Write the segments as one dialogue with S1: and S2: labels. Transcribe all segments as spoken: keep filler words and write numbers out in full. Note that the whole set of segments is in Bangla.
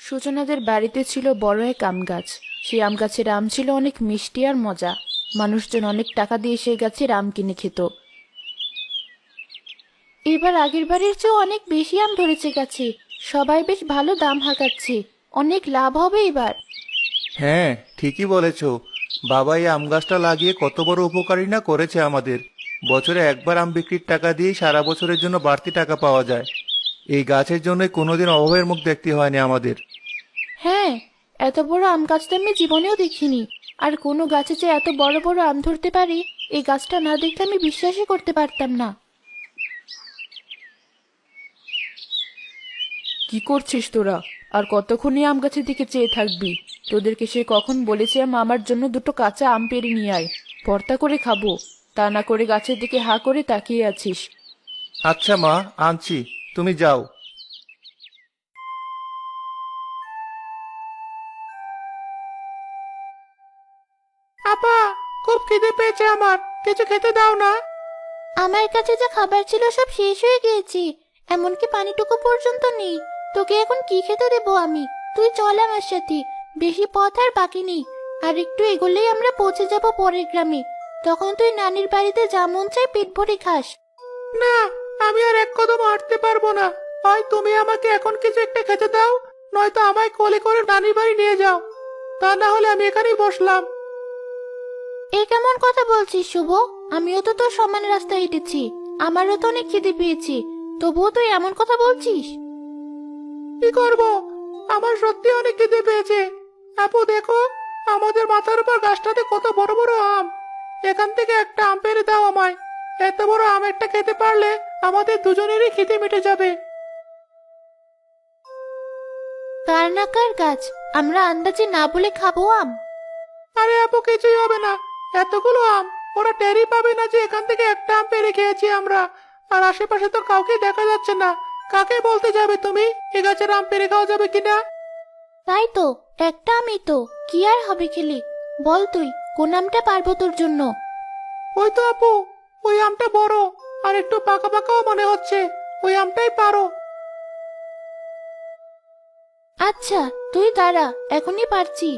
S1: সূচনাদের বাড়িতে ছিল বড় এক আম গাছ। সেই আম গাছের আম ছিল অনেক মিষ্টি আর মজা। মানুষজন অনেক টাকা দিয়ে সেই গাছের আম কিনে খেত। এবার আগের বারের চেয়ে অনেক বেশি আম ধরেছে গাছে। সবাই বেশ ভালো দাম হাঁকাচ্ছে। অনেক লাভ হবে এবার।
S2: হ্যাঁ, ঠিকই বলেছ। বাবা এই আম গাছটা লাগিয়ে কত বড় উপকারী না করেছে আমাদের। বছরে একবার আম বিক্রির টাকা দিয়ে সারা বছরের জন্য বাড়তি টাকা পাওয়া যায়। এই গাছের জন্যই কোনোদিন অভাবের মুখ দেখতে হয়নি আমাদের।
S1: হ্যাঁ, এত বড় আম গাছ তো আমি জীবনেও দেখিনি। আর কোনো গাছে যে এত বড় বড় আম ধরতে পারে, এই গাছটা না দেখলে আমি বিশ্বাসই করতে পারতাম না। কি করছিস তোরা? আর কতক্ষণই আম গাছের দিকে চেয়ে থাকবি? তোদেরকে সে কখন বলেছিলাম আমার জন্য দুটো কাঁচা আম পেড়ে নিয়ে আয়, ভর্তা করে খাবো। তা না করে গাছের দিকে হা করে তাকিয়ে আছিস।
S2: আচ্ছা মা, আনছি, তুমি যাও। আপা, খুব খিদে পেয়েছে আমার, কিছু খেতে দাও না।
S1: আমার কাছে যা খাবার ছিল সব শেষ হয়ে গিয়েছে, এমনকি পানিটুকু পর্যন্ত নেই। তোকে এখন কি খেতে দেবো আমি? তুই চল আমার সাথে, বেশি পথ আর বাকি নেই। আর একটু এগোলেই আমরা পৌঁছে যাব পরের গ্রামে। তখন তুই নানির বাড়িতে যা মন চায় পেট ভরে খাস।
S2: না, আমি আর এক কদম হাঁটতে পারবো না। হয় তুমি আমাকে এখন কিছু একটা খেতে দাও, নয়তো আমায় কোলে করে নানির বাড়ি নিয়ে যাও। তা না হলে আমি এখানেই বসলাম।
S1: এ কেমন কথা বলছিস শুভ? আমিও তো তোর সমান রাস্তা হেঁটেছি, আমারও তো অনেক খিদে পেয়েছি, তবুও তুই এমন কথা বলছিস?
S2: কি করব, আমার সত্যি অনেক খিদে পেয়েছে। আপু দেখো, আমাদের মাথার উপর গাছটাতে কত বড় বড় আম। এখান থেকে একটা আম পেড়ে দাও আমায়। এত বড় আম একটা খেতে পারলে আমাদের দুজনেরই খিদে মিটে যাবে।
S1: কার না কার গাছ, আমরা আন্দাজে না বলে খাবো আম?
S2: আরে আপু, কিছুই হবে না। এতগুলো আম, ওরা টেরই পাবে না যে এখান থেকে একটা আম পেড়ে খেয়েছি আমরা। আর আশেপাশে তো কাউকে দেখা যাচ্ছে না। কাকে বলতে যাবে তুমি এ গাছের আম পেড়ে খাওয়া যাবে কিনা?
S1: তাই তো, একটা আমই তো, কি আর হবে খেলে? বল তুই কোন আমটা পারবো তোর জন্য?
S2: ওই তো আপু, ওই আমটা বড় আর একটু পাকা পাকাও মনে হচ্ছে। ওই আমটাই পারো।
S1: আচ্ছা, তুই দাঁড়া, এখনই পারছি।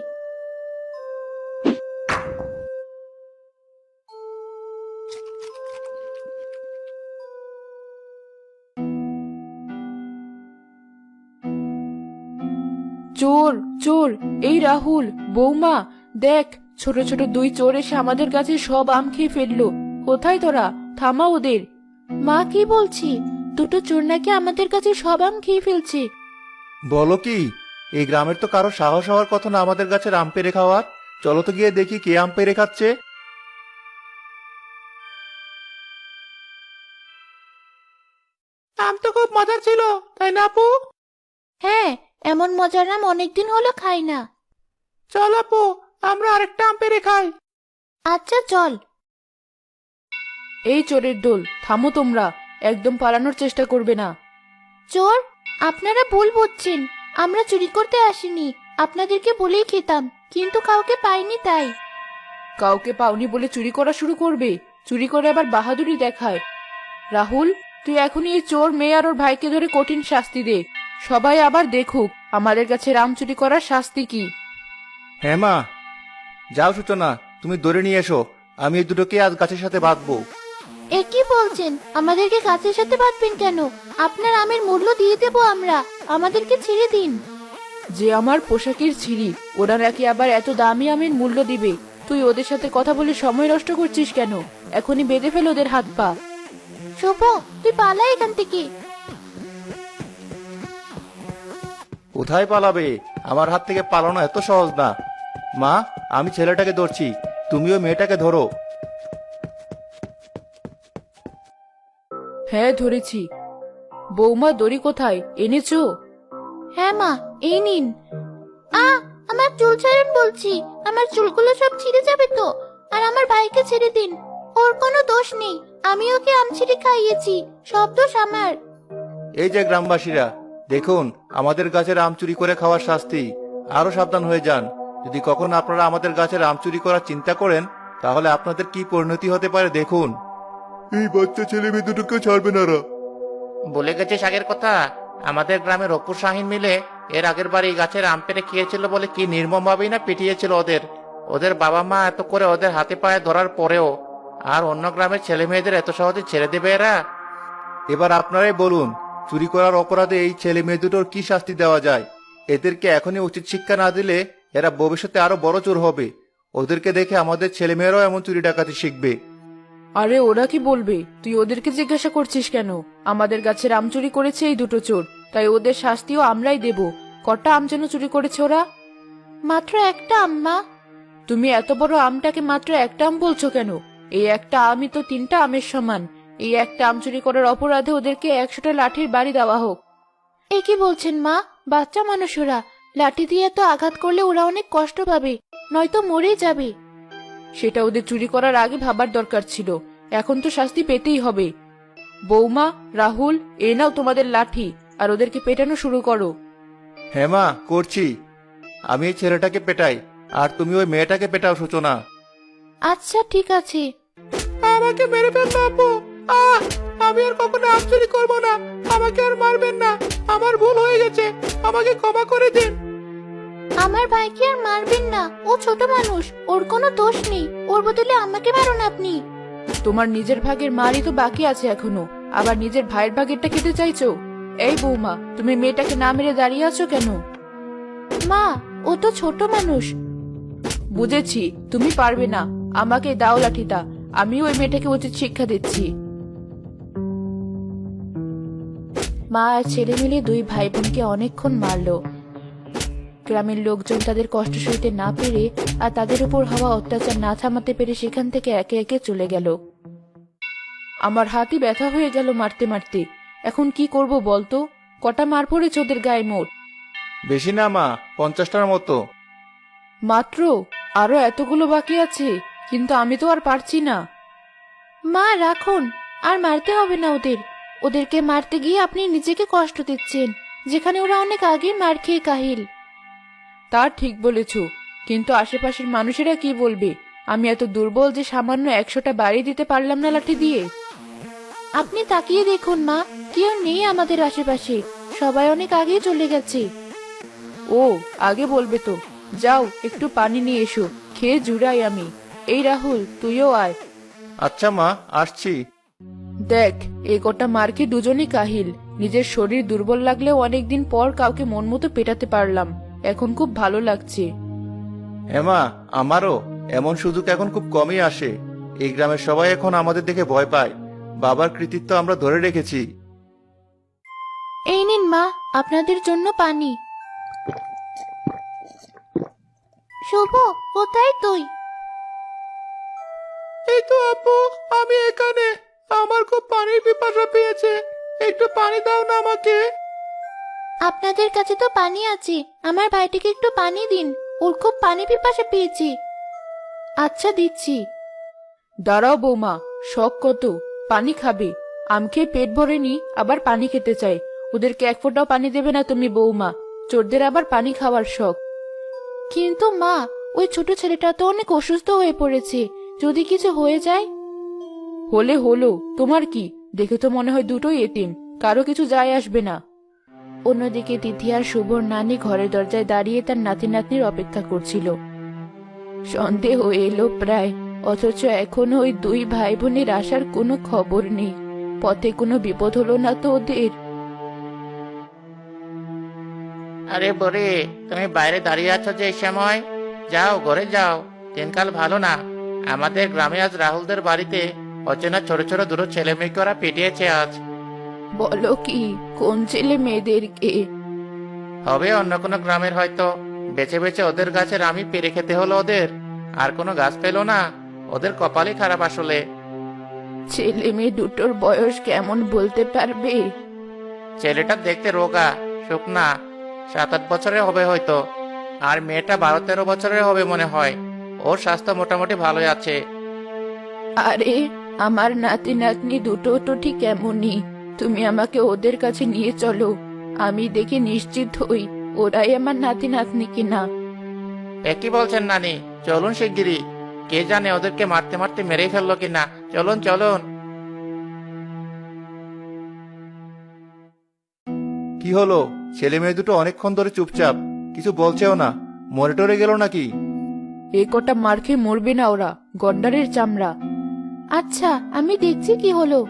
S1: চোর চোর, এই রাহুল, বৌমা, দেখ, ছোট ছোট দুই চোর এসে আমাদের কাছে সব আম খেয়ে ফেললো। কোথায় তোরা? থামা ওদের। মা, কি বলছি? দুটো চোর নাকি আমাদের কাছে সব আম খেয়ে ফেলছে।
S2: বলো কি? এই গ্রামের তো কারো সাহস হওয়ার কথা না আমাদের গাছের আম পেড়ে খাওয়ার। চলো তো গিয়ে দেখি কে আম পেড়ে খাচ্ছে। আম তো খুব মজার ছিল, তাই না আপু?
S1: হ্যাঁ, এমন মজার আম অনেকদিন হলো খাই না।
S2: চল আপু, আমরা আরেকটা আম পেড়ে খাই।
S1: আচ্ছা চল। এই চোরের দল, থামো তোমরা, একদম পালানোর চেষ্টা করবে না। চোর, আপনারা ভুল বুঝছেন, আমরা চুরি করতে আসিনি। আপনাদেরকে বলেই খেতাম, কিন্তু কাউকে পাইনি তাই। কাউকে পাওনি বলে চুরি করা শুরু করবে? চুরি করে আবার বাহাদুরি দেখায়। রাহুল, তুই এখনই এই চোর মেয়ে আর ওর ভাইকে ধরে কঠিন শাস্তি দে। সবাই আবার দেখুক আমাদের কাছে রাম চুরি করার শাস্তি কি।
S2: হ্যাঁ মা, যাও সূচনা, তুমি ধরে নিয়ে এসো। আমি এই দুটোকে আজ গাছের সাথে বাঁধবো।
S1: এ কি বলছেন? আমাদেরকে গাছের সাথে বাঁধবেন কেন? আপনার আমের মূল্য দিয়ে দেবো আমরা, আমাদেরকে ছেড়ে দিন। যে আমার পোশাকের ছিঁড়ি, ওরা নাকি আবার এত দামি আমের মূল্য দিবে? তুই ওদের সাথে কথা বলে সময় নষ্ট করছিস কেন? এখনই বেঁধে ফেল ওদের হাত পা। শুভ, তুই পালা এখান থেকে।
S2: কোথায় পালাবে? আমার হাত থেকে পালানো এত সহজ না। মা, আমি ছেলেটাকে ধরছি, তুমিও মেয়েটাকে ধরো।
S1: হ্যাঁ, ধরেছি। বৌমা, দড়ি কোথায় এনেছো? হ্যাঁ মা, এই নিন। আ আমার চুল ছাড়ুন বলছি, আমার চুলগুলো সব ছিঁড়ে যাবে তো। আর আমার ভাইকে ছেড়ে দিন, ওর কোনো দোষ নেই। আমি ওকে আম ছিঁড়ে খাইয়েছি, সব দোষ আমার।
S2: এই যে গ্রামবাসীরা, দেখুন আমাদের গাছের আম চুরি করে খাওয়ার শাস্তি। আরো সাবধান হয়ে যান। যদি কখনো আপনারা আমাদের গাছের আম চুরি করার চিন্তা করেন, তাহলে আপনাদের কি পরিণতি হতে পারে দেখুন। এই বাচ্চা ছেলে মেয়ে দুটোকে ছাড়বে না।
S3: বলে গেছে আগের কথা, আমাদের গ্রামের অপুর শাহিন মিলে
S2: এর আগের বার এই গাছের আম পেড়ে খেয়েছিল বলে কি নির্মম ভাবেই না পিটিয়েছিল ওদের ওদের বাবা মা এত করে ওদের হাতে পায়ে ধরার পরেও। আর অন্য গ্রামের ছেলে মেয়েদের এত সহজে ছেড়ে দেবে এরা? এবার আপনারাই বলুন, চুরি করার অপরাধে এই ছেলে মেয়ে দুটোর কি শাস্তি দেওয়া যায়? এদেরকে এখনই উচিত শিক্ষা না দিলে এরা ভবিষ্যতে আরো বড় চোর হবে। ওদেরকে দেখে আমাদের ছেলে মেয়েরাও এমন চুরি ডাকাতি শিখবে।
S1: আরে ওরা কি বলবে? তুই ওদেরকে জিজ্ঞাসা করছিস কেন? আমাদের গাছের আম চুরি করেছে এই দুটো চোর, তাই ওদের শাস্তিও আমরাই দেব। কটা আম যেন চুরি করেছে ওরা? মাত্র একটা আম্মা। তুমি এত বড় আমটাকে মাত্র একটা আম বলছো কেন? এই একটা আমই তো তিনটা আমের সমান। এই একটা আম চুরি করার অপরাধে ওদেরকে একশোটা লাঠির বাড়ি দেওয়া হোক। এ কি বলছেন মা? বাচ্চা মানুষ ওরা, লাঠি দিয়ে তো আঘাত করলে ওরা অনেক কষ্ট পাবে, নয়তো মরেই যাবে। সেটা ওদের চুরি করার আগে ভাবার দরকার ছিল। এখন তো শাস্তি পেতেই হবে। বৌমা, রাহুল, এ নাও তোমাদের লাঠি, আর ওদেরকে পেটানো শুরু করো।
S2: হ্যাঁ মা, করছি। আমি এই ছেলেটাকে পেটাই, আর তুমি ওই মেয়েটাকে পেটাও সূচনা।
S1: আচ্ছা ঠিক আছে।
S2: আমাকে মেরে ফেলবে আব্বু। আহ আমি আর কখনো আম চুরি করবো না। আমাকে আর মারবেন না, আমার ভুল হয়ে গেছে, আমাকে ক্ষমা করে দিন।
S1: আমার ভাইকে আর মারবেন না, ও ছোট মানুষ, ওর কোনো দোষ নেই। ওর বদলে আমাকে মারুন আপনি। তোমার নিজের ভাগের মারই তো বাকি আছে এখনো, আবার নিজের ভাইয়ের ভাগেরটা খেতে চাইছো? এই বৌমা, তুমি মেয়েটাকে না মেরে দাঁড়িয়ে আছো কেন? মা, ও তো ছোট মানুষ। বুঝেছি, তুমি পারবে না। আমাকে দাও লাঠিটা, আমি ওই মেয়েটাকে উচিত শিক্ষা দিচ্ছি। মা আর ছেলে মিলে দুই ভাই বোনকে অনেকক্ষণ মারলো। গ্রামের লোকজন তাদের কষ্ট সইতে না পেরে আর তাদের উপর হওয়া অত্যাচার না থামাতে পেরে সেখান থেকে একে একে চলে গেল। আমার হাতই ব্যথা হয়ে গেল মারতে মারতে। এখন কি করব বলতো? কটা মার পড়েছে ওদের গায়ে মোট?
S2: বেশি না মা, পঞ্চাশটার মতো।
S1: মাত্র? আরো এতগুলো বাকি আছে, কিন্তু আমি তো আর পারছি না। মা রাখুন, আর মারতে হবে না ওদের। ওদেরকে মারতে গিয়ে আপনি নিজেকে কষ্ট দিচ্ছেন, যেখানে ওরা অনেক আগে মার খেয়ে কাহিল। তা ঠিক বলেছ, কিন্তু আশেপাশের মানুষেরা কি বলবে? আমি এত দুর্বল যে সামান্য একশোটা বাড়ি দিতে পারলাম না লাঠি দিয়ে। আপনি তাকিয়ে দেখুন মা, কেউ নেই আমাদের আশেপাশে, সবাই অনেক আগেই চলে গেছে। ও, আগে বলবে তো। যাও একটু পানি নিয়ে এসো, খেয়ে জুড়াই আমি। এই রাহুল, তুইও আয়।
S2: আচ্ছা মা, আসছি।
S1: দেখ, এই গোটা মারকে দুজনই কাহিল। নিজের শরীর দুর্বল লাগলেও অনেকদিন পর কাউকে মন মতো পেটাতে পারলাম, এখন খুব ভালো লাগছে।
S2: হ্যাঁ মা, আমারও। এমন সুযোগ এখন খুব কমই আসে। এই গ্রামের সবাই এখন আমাদের দেখে ভয় পায়। বাবার কৃতিত্ব আমরা ধরে রেখেছি।
S1: এই নিন মা, আপনাদের জন্য পানি। শুভ, কোথায় তুই?
S2: এই তো আপু, আমি এখানে। আমার খুব পানির পিপাসা পেয়েছে, একটু পানি দাও না আমাকে।
S1: আপনাদের কাছে তো পানি আছে, আমার ভাইটিকে একটু পানি দিন, ওর খুব পানি পিপাসা পেয়েছে। আচ্ছা দিচ্ছি। দাঁড়াও বৌমা, শখ কত, পানি খাবে? আম খেয়ে পেট ভরেনি, আবার পানি খেতে চাই। ওদেরকে এক ফোঁটাও পানি দেবে না তুমি বৌমা? চোরদের আবার পানি খাওয়ার শখ। কিন্তু মা, ওই ছোট ছেলেটা তো অনেক অসুস্থ হয়ে পড়েছে, যদি কিছু হয়ে যায়? হলে হলো, তোমার কি? দেখে তো মনে হয় দুটোই এতিম, কারো কিছু যায় আসবে না। অন্যদিকে তিথি আর শুভর নানি ঘরের দরজায় দাঁড়িয়ে তার নাতি নাতনির অপেক্ষা করছিল। সন্দেহ এলো প্রায়, অথচ এখনো ওই দুই ভাই বোনের আসার কোনো খবর নেই। পথে কোনো বিপদ হলো না তো ওদের?
S2: আরে বরে, তুমি বাইরে দাঁড়িয়ে আছো যে এই সময়? যাও ঘরে যাও, দিনকাল ভালো না। আমাদের গ্রামে আজ রাহুলদের বাড়িতে অচেনা ছোট ছোট দুটো ছেলে মেয়েকে ওরা পিটিয়েছে আজ।
S1: বলো কি, কোন ছেলে মেয়েদেরকে?
S2: হবে অন্য কোনো গ্রামের হয়তো। বেছে বেছে ওদের গাছের আমি পেরে খেতে হলো ওদের, আর কোনো গাছ পেলো না। ওদের কপালই খারাপ আসলে।
S1: ছেলে মেয়ে দুটোর বয়স কেমন বলতে পারবে?
S2: ছেলেটা দেখতে রোগা শুকনা, সাত আট বছরের হবে হয়তো, আর মেয়েটা বারো তেরো বছরের হবে মনে হয়। ওর স্বাস্থ্য মোটামুটি ভালোই আছে।
S1: আরে, আমার নাতি নাতনি দুটো তো ঠিক এমনই। তুমি আমাকে ওদের কাছে নিয়ে চলো, আমি দেখে নিশ্চিত হই ওরাই আমার নাতি নাতনি কিনা।
S2: একই বলছেন নানি, চলুন শিগগিরই। কে জানে ওদেরকে মারতে মারতে মেরেই ফেললো কিনা। চলুন চলুন। কি হলো, ছেলে মেয়ে দুটো অনেকক্ষণ ধরে চুপচাপ, কিছু বলছেও না। মরে টরে গেল নাকি?
S1: এ কটা মার খেয়ে মরবে না ওরা, গন্ডারের চামড়া। আচ্ছা, আমি দেখছি কি হলো।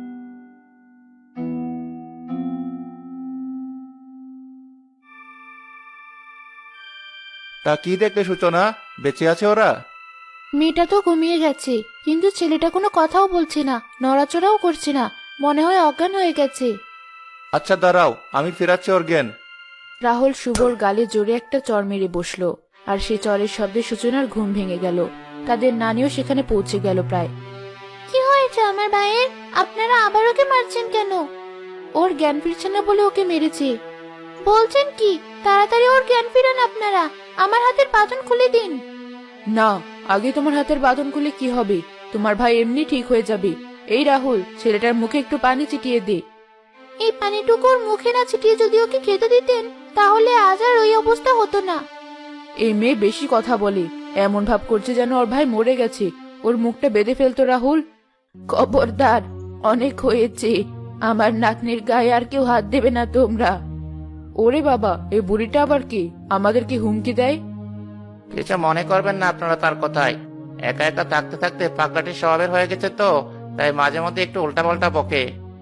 S2: তা কি দেখলে সূচনা? বেঁচে আছে ওরা?
S1: মেয়েটা তো ঘুমিয়ে গেছে, কিন্তু ছেলেটা কোনো কথাও বলছে না, নড়াচড়াও করছে না, মনে হয় অজ্ঞান হয়ে গেছে।
S2: আচ্ছা দাঁড়াও, আমি ফেরাচ্ছি ওর জ্ঞান।
S1: রাহুল শুভর গালে জোরে একটা চড় মেরে বসলো, আর সে চরের শব্দে সূচনার ঘুম ভেঙে গেল। তাদের নানিও সেখানে পৌঁছে গেল প্রায়। কি হয়েছে আমার ভাইয়ের? আপনারা আবার ওকে মারছেন কেন? ওর জ্ঞান ফিরছে না বলে ওকে মেরেছে। বলছেন কি? তাড়াতাড়ি ওর জ্ঞান ফিরান আপনারা, আমার হাতের বাঁধন খুলে দিন। না, আগে তোমার হাতের বাঁধন খুলে কি হবে? তোমার ভাই এমনি ঠিক হয়ে যাবে। এই রাহুল, ছেলেটার মুখে একটু পানি ছিটিয়ে দে। এই পানিটুকু ওর মুখে না ছিটিয়ে যদি ওকে খেতে দিতেন, তাহলে আজ আর ওই অবস্থা হতো না। এই মেয়ে বেশি কথা বলে, এমন ভাব করছে যেন ওর ভাই মরে গেছে। ওর মুখটা বেঁধে ফেলতো রাহুল। খবরদার, অনেক হয়েছে। আমার নাতনির গায়ে আর কেউ হাত দেবে না তোমরা। ওরে বাবা, এই বুড়িটা আবার কি আমাদেরকে হুমকি দেয়?
S2: কিছু মনে করবেন না আপনারা তার কথায়। একা একা থাকতে থাকতে পাগলাটির স্বভাবের হয়ে গেছে তো, তাই মাঝে মধ্যে একটু উল্টাপাল্টা বকে।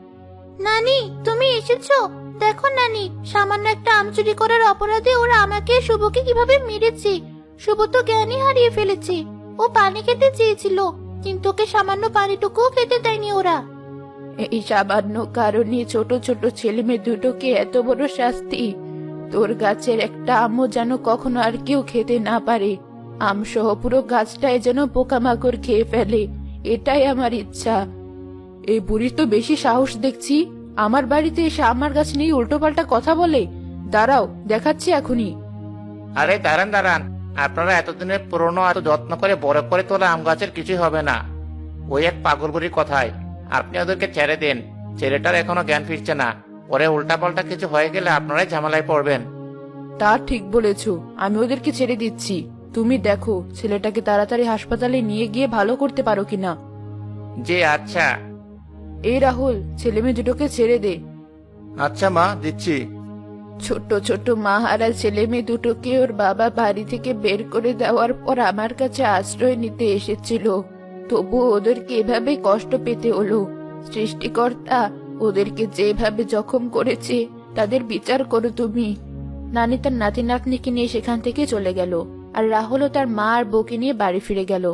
S1: নানি, তুমি এসেছো? দেখো নানি, সামান্য একটা আম চুরি করার অপরাধে ওরা আমাকে শুভকে কিভাবে মেরেছে। শুভ তো জ্ঞানই হারিয়ে ফেলেছে। ও পানি খেতে চেয়েছিল, কিন্তু ওকে সামান্য পানিটুকুও খেতে দেয়নি ওরা। এই সামান্য কারণে ছোট ছোট ছেলে মেয়ে দুটোকে এত বড় শাস্তি। তোর গাছের একটা আমও যেন কখনো আর কেউ খেতে না পারে। আম সহ পুরো গাছটাই যেন পোকামাকড় খেয়ে ফেলে, এটাই আমার ইচ্ছা। এই বুড়ির তো বেশি সাহস দেখছি, আমার বাড়িতে এসে আমার গাছ নিয়ে উল্টোপাল্টা কথা বলে। দাঁড়াও, দেখাচ্ছি এখনই।
S2: আরে দাঁড়ান দাঁড়ান, আপনারা এতদিনের পুরনো এত যত্ন করে বড় করে তোলা আম গাছের কিছুই হবে না। ওই এক পাগল বুড়ির কথায় আপনি ওদেরকে ছেড়ে দেন। ছেলেটার এখনো জ্ঞান ফিরছে না, পরে উল্টাপাল্টা কিছু হয়ে গেলে আপনারাই ঝামেলায় পড়বেন।
S1: তা ঠিক বলেছ, আমি ওদেরকে ছেড়ে দিচ্ছি। তুমি দেখো ছেলেটাকে তাড়াতাড়ি হাসপাতালে নিয়ে গিয়ে ভালো করতে পারো কিনা।
S2: জি আচ্ছা।
S1: এই রাহুল, ছেলে মেয়ে দুটোকে ছেড়ে দে।
S2: আচ্ছা মা, দিচ্ছি।
S1: ছোট ছোট মাহারা ছেলে মেয়ে দুটোকে ওর বাবা বাড়ি থেকে বের করে দেওয়ার পর আমার কাছে আশ্রয় নিতে এসেছিল, তবু ওদেরকে এভাবে কষ্ট পেতে হলো। সৃষ্টিকর্তা ওদেরকে যেভাবে জখম করেছে তাদের বিচার করো তুমি। নানি তার নাতি নাতনিকে নিয়ে সেখান থেকে চলে গেল, আর রাহুলও তার মা আর বউকে নিয়ে বাড়ি ফিরে গেল।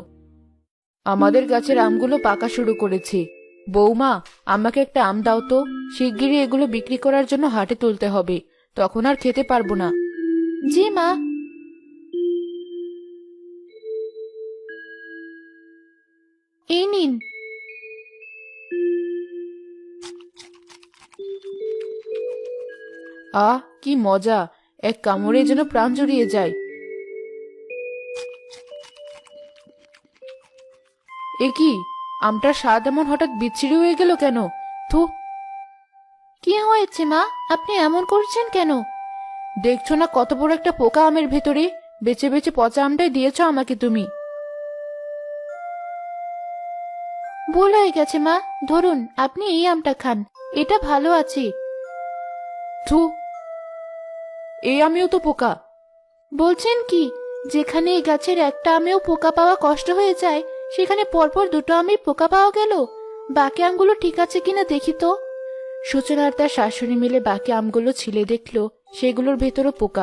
S1: আমাদের গাছের আমগুলো পাকা শুরু করেছে। বৌমা, আমাকে একটা আম দাও তো। শিগগিরই এগুলো বিক্রি করার জন্য হাটে তুলতে হবে, তখন আর খেতে পারবো না। জি মা। এই নিন। আহ, কি মজা! এক কামড়ে যেন প্রাণ জুড়িয়ে যায়। এ কি, আমটার স্বাদ এমন হঠাৎ বিচ্ছিরি হয়ে গেল কেন? থু! কি হয়েছে মা, আপনি এমন করছেন কেন? দেখছো না কত বড় একটা পোকা আমের ভেতরে? বেছে বেছে পচা আমটাই দিয়েছো আমাকে তুমি। ভুল হয়ে গেছে মা, ধরুন আপনি এই আমটা খান, এটা ভালো আছে। থু! এই আমিও তো পোকা। বলছেন কি? যেখানে এই গাছের একটা আমেও পোকা পাওয়া কষ্ট হয়ে যায়, সেখানে পরপর দুটো আমে পোকা পাওয়া গেল। বাকি আমগুলো ঠিক আছে কিনা দেখি তো। সূচনা আর তার শাশুড়ি মিলে বাকি আমগুলো ছিলে দেখলো সেগুলোর ভেতরও পোকা।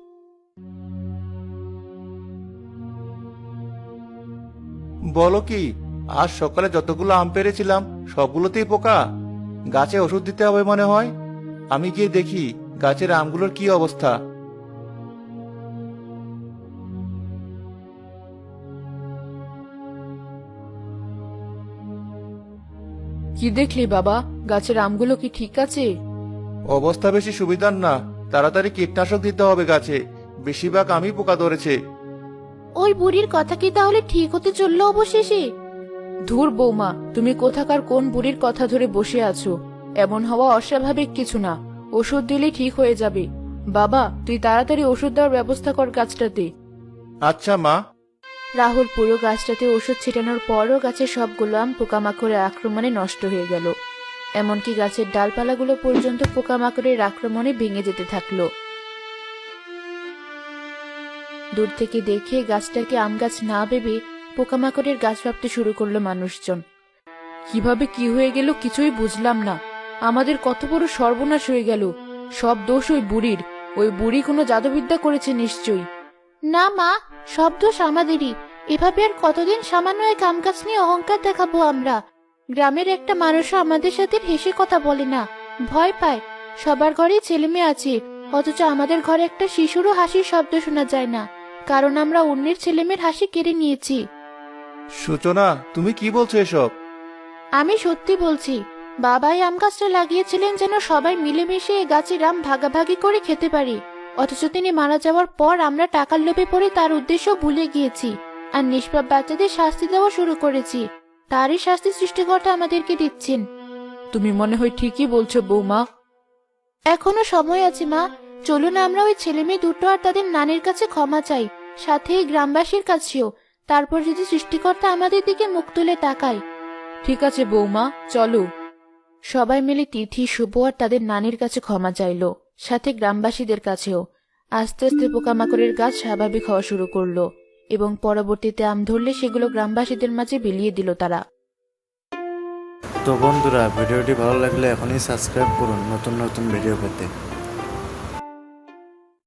S2: বলো কি, আজ সকালে যতগুলো আম পেরেছিলাম সবগুলোতেই পোকা। গাছে ওষুধ দিতে হবে মনে হয়। আমি গিয়ে দেখি গাছের আমগুলোর কি অবস্থা।
S1: কি দেখলি বাবা, গাছের আমগুলো কি ঠিক আছে?
S2: অবস্থা বেশি সুবিধার না, তাড়াতাড়ি কীটনাশক দিতে হবে গাছে। বেশিরভাগ আমি পোকা ধরেছে।
S1: ওই বুড়ির কথা কি তাহলে ঠিক হতে চললো অবশেষে? ধুর বৌমা, তুমি কোথাকার কোন বুড়ির কথা ধরে বসে আছো? এমন হওয়া অস্বাভাবিক কিছু না, ওষুধ দিলেই ঠিক হয়ে যাবে। বাবা, তুই তাড়াতাড়ি ওষুধ দেওয়ার ব্যবস্থা কর গাছটাতে।
S2: আচ্ছা মা।
S1: রাহুল পুরো গাছটাতে ওষুধ ছিটানোর পরও গাছের সবগুলো আম পোকামাকড়ের আক্রমণে নষ্ট হয়ে গেল। এমনকি গাছের ডালপালাগুলো পর্যন্ত পোকামাকড়ের আক্রমণে ভেঙে যেতে থাকলো। দূর থেকে দেখে গাছটাকে আম গাছ না ভেবে পোকামাকড়ের গাছ ভাবতে শুরু করলো মানুষজন। কিভাবে কি হয়ে গেল কিছুই বুঝলাম না। আমাদের কত বড় সর্বনাশ হয়ে গেল। সব দোষ ওই বুড়ির। ওই বুড়ি কোনো জাদুবিদ্যা করেছে নিশ্চয়ই। না মা, সব দোষ আমাদেরই। এভাবে আর কতদিন সামান্য এক আম গাছ নিয়ে অহংকার দেখাবো আমরা? গ্রামের একটা মানুষও আমাদের সাথে হেসে কথা বলে না, ভয় পায়। সবার ঘরেই ছেলে মেয়ে আছে, অথচ আমাদের ঘরে একটা শিশুরও হাসির শব্দ শোনা যায় না, কারণ আমরা অন্যের ছেলেমেয়ের হাসি কেড়ে নিয়েছি।
S2: সূচনা, তুমি কি বলছো এসব?
S1: আমি সত্যি বলছি। বাবাই আম গাছটা লাগিয়েছিলেন যেন সবাই মিলেমিশে এই গাছের আম ভাগাভাগি করে খেতে পারি, অথচ তিনি মারা যাওয়ার পর আমরা টাকার লোভে পড়ে তার উদ্দেশ্য ভুলে গিয়েছি আর নিষ্পাপ বাচ্চাদের শাস্তি দেওয়া শুরু করেছি। তারই শাস্তি সৃষ্টিকর্তা আমাদেরকে দিচ্ছেন। তুমি মনে হয় ঠিকই বলছো বৌমা। এখনো সময় আছে মা, চলুন আমরা ওই ছেলে মেয়ে দুটো আর তাদের নানির কাছে ক্ষমা চাই, সাথে এই গ্রামবাসীর কাছেও। তারপর যদি সৃষ্টিকর্তা আমাদের দিকে মুখ তুলে তাকায়। ঠিক আছে বৌমা, চলো। সবাই মিলে তিথি, শুভ আর তাদের নানির কাছে ক্ষমা চাইলো, সাথে গ্রামবাসীদের কাছেও। আস্তে আস্তে পোকামাকড়ের গাছ স্বাভাবিক হওয়া শুরু করলো এবং পরবর্তীতে আম ধরলে সেগুলো গ্রামবাসীদের মাঝে বিলিয়ে দিল তারা।
S3: তো বন্ধুরা, ভিডিওটি ভালো লাগলে এখনই সাবস্ক্রাইব করুন নতুন নতুন ভিডিও পেতে।